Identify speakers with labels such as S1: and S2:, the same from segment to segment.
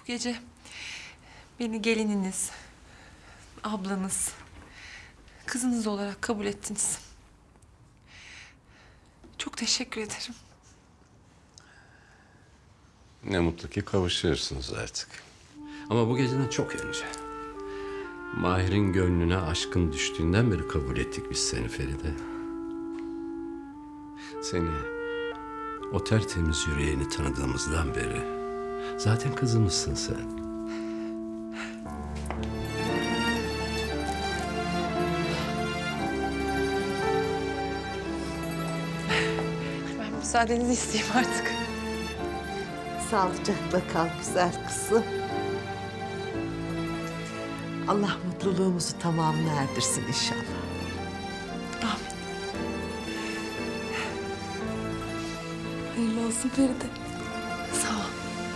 S1: Bu gece beni gelininiz, ablanız, kızınız olarak kabul ettiniz. Çok teşekkür ederim.
S2: Ne mutlu ki kavuşuyorsunuz artık. Ama bu geceden çok önce. Mahir'in gönlüne aşkın düştüğünden beri kabul ettik biz seni Feride. Seni, o tertemiz yüreğini tanıdığımızdan beri zaten kızımızsın sen.
S1: Ben müsaadenizi isteyeyim artık.
S3: Sağlıcakla kal güzel kızım. Allah mutluluğumuzu tamamına erdirsin inşallah.
S1: Amin. Hayırlı olsun Feride. Sağ ol.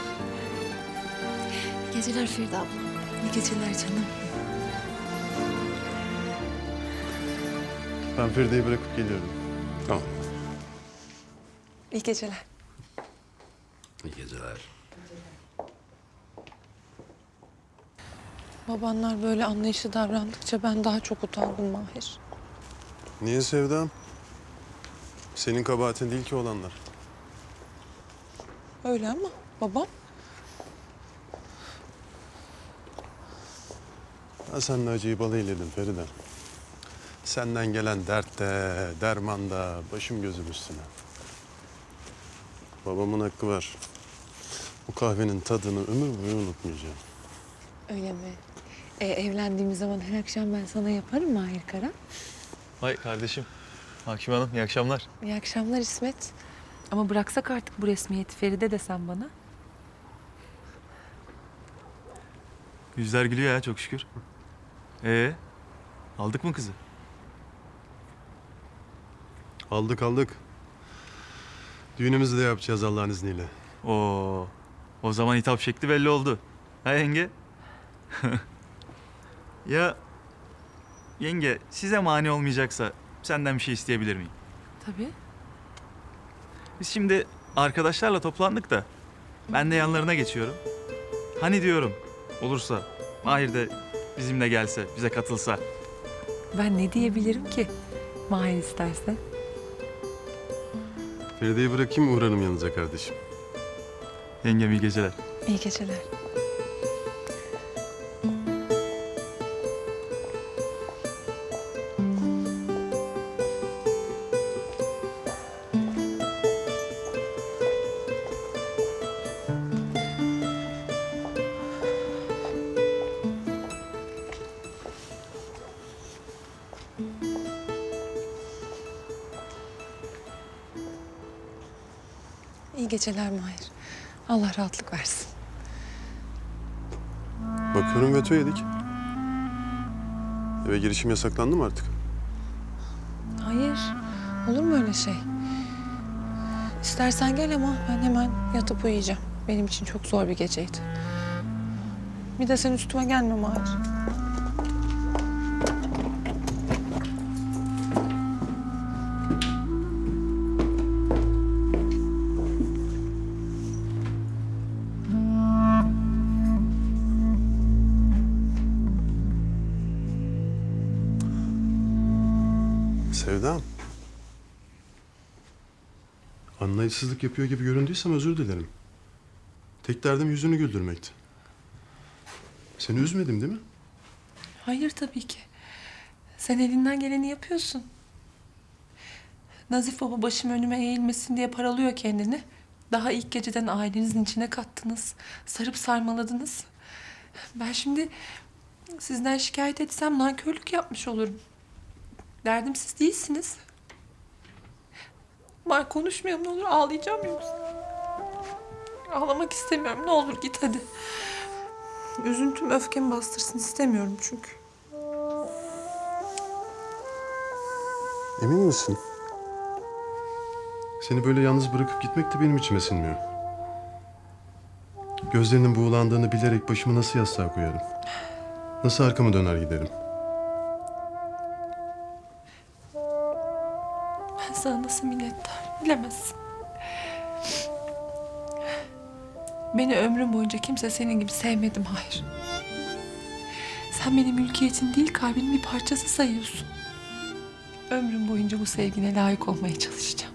S4: İyi geceler Feride abla.
S1: İyi geceler canım.
S5: Ben Feride'yi bırakıp geliyorum.
S2: Tamam.
S1: İyi geceler.
S2: İyi geceler.
S1: Babanlar böyle anlayışlı davrandıkça ben daha çok utandım Mahir.
S5: Niye Sevdam? Senin kabahatin değil ki olanlar.
S1: Öyle ama babam.
S5: Ben seninle acıyı bal eyledim Feride. Senden gelen dertte, dermanda, başım gözüm üstüne. Babamın hakkı var. Bu kahvenin tadını ömür boyu unutmayacağım.
S1: Öyle mi? Evlendiğimiz zaman her akşam ben sana yaparım Mahir Kara.
S6: Vay kardeşim. Hakim Hanım iyi akşamlar.
S1: İyi akşamlar İsmet. Ama bıraksak artık bu resmiyeti Feride desen bana.
S6: Yüzler gülüyor ya çok şükür. Aldık mı kızı?
S5: Aldık. Düğünümüzü de yapacağız Allah'ın izniyle.
S6: Oo. O zaman hitap şekli belli oldu. Ha yenge? Ya yenge size mani olmayacaksa senden bir şey isteyebilir miyim?
S1: Tabii.
S6: Biz şimdi arkadaşlarla toplandık da ben de yanlarına geçiyorum. Hani diyorum olursa Mahir de bizimle gelse, bize katılsa.
S1: Ben ne diyebilirim ki Mahir isterse?
S5: Feride'yi bırakayım uğrarım yanınıza kardeşim.
S6: Yengem iyi geceler.
S1: İyi geceler. İyi geceler Mahir. Allah rahatlık versin.
S5: Bakıyorum veto yedik. Eve girişim yasaklandı mı artık?
S1: Hayır. Olur mu öyle şey? İstersen gel ama ben hemen yatıp uyuyacağım. Benim için çok zor bir geceydi. Bir de sen üstüme gelme Mahir.
S5: Sevdam. Anlayışsızlık yapıyor gibi göründüysem özür dilerim. Tek derdim yüzünü güldürmekti. Seni üzmedim değil mi?
S1: Hayır tabii ki. Sen elinden geleni yapıyorsun. Nazif baba başım önüme eğilmesin diye paralıyor kendini. Daha ilk geceden ailenizin içine kattınız. Sarıp sarmaladınız. Ben şimdi sizden şikayet etsem nankörlük yapmış olurum. Derdim siz değilsiniz. Var konuşmayalım ne olur ağlayacağım yoksa. Ağlamak istemiyorum ne olur git hadi. Üzüntüm öfkemi bastırsın istemiyorum çünkü.
S5: Emin misin? Seni böyle yalnız bırakıp gitmek de benim içime sinmiyor. Gözlerinin buğulandığını bilerek başımı nasıl yastığa koyarım? Nasıl arkamı döner giderim?
S1: Ben sana nasıl minnettarım bilemezsin. Beni ömrüm boyunca kimse senin gibi sevmedi Mahir. Sen benim mülkiyetim değil, kalbimin bir parçası sayıyorsun. Ömrüm boyunca bu sevgine layık olmaya çalışacağım.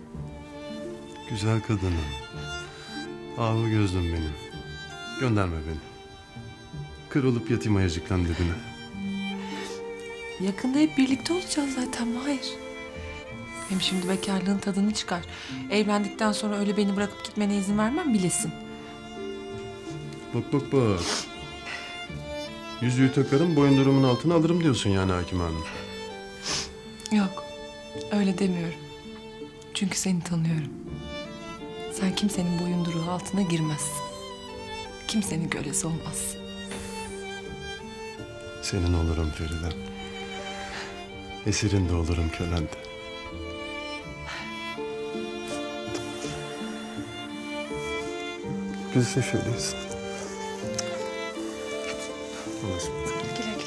S5: Güzel kadınım. Ahu gözlüm benim. Gönderme beni. Kırılıp yatayım ayacıklan dibine.
S1: Yakında hep birlikte olacağız zaten Mahir. Hem şimdi bekarlığın tadını çıkar. Evlendikten sonra öyle beni bırakıp gitmene izin vermem bilesin.
S5: Bak bak bak. Yüzüğü takarım, boyundurumun altına alırım diyorsun yani Hakim Hanım.
S1: Yok, öyle demiyorum. Çünkü seni tanıyorum. Sen kimsenin boyunduruğu altına girmezsin. Kimsenin kölesi olmazsın.
S5: Senin olurum Feride. Esirin de olurum, kölen de. Biz de şöyleyiz. Anlaşıldı.
S1: Güle güle.